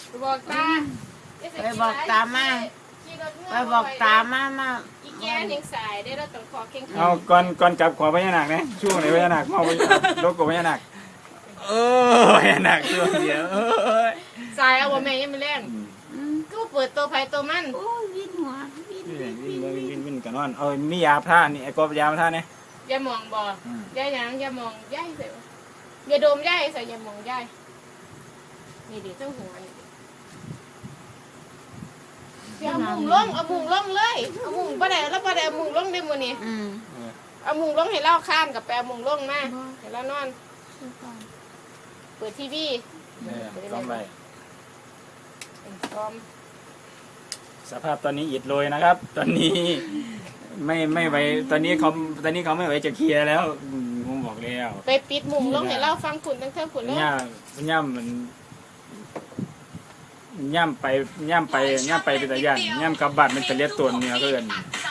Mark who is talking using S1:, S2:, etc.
S1: บอกตา
S2: ไปบอกตามาไปบอกตามา
S1: อีแกนยังสายได้เราต้องขอเข่ง
S3: เอาก่อนจับขอพญานาคนะช่วงไหนพญานาคเอาโลโก้พญานาคพญานาคช่วงเดียว
S1: สายเอาบ่แม่ยังไม่แรงก็เปิดตัวไผตัวมัน
S2: โอ้ยวินหัว
S3: วินกันนอนเอามียาท่านี่ไอ้กบยาท่านี่
S1: อย่ามองบ่อย่าหยังอย่ามองย่ายเสียอย่าดมย่ายใส่อย่ามองย่ายนี่ดิเจ้าหัวนี่เอามุงลงเอามุงลงเลยเอามุงบ่ได้แล้วบ่ได้เอามุงลงได้มื้อนี้เอามุงลงให้เล่าข้ามกับแปลมุงลงมาให้เรานอนเปิดทีวี
S3: ต้องไป
S1: พร้อม
S3: สภาพตอนนี้อิดโรยนะครับ ตอนนี้ไม่ไหวตอนนี้เขาไม่ไหวจะเคลียร์แล้วผมบอกแล้ว
S1: ไปปิดมุงลงให้เล่าฟังขุนตั้งเท่าขุนเลย
S3: ย่ำมันย่ำไปเป็นตะยันย่ำกลับบ้านเป็นตะเลียดตัวเนื้อเกิน
S1: ส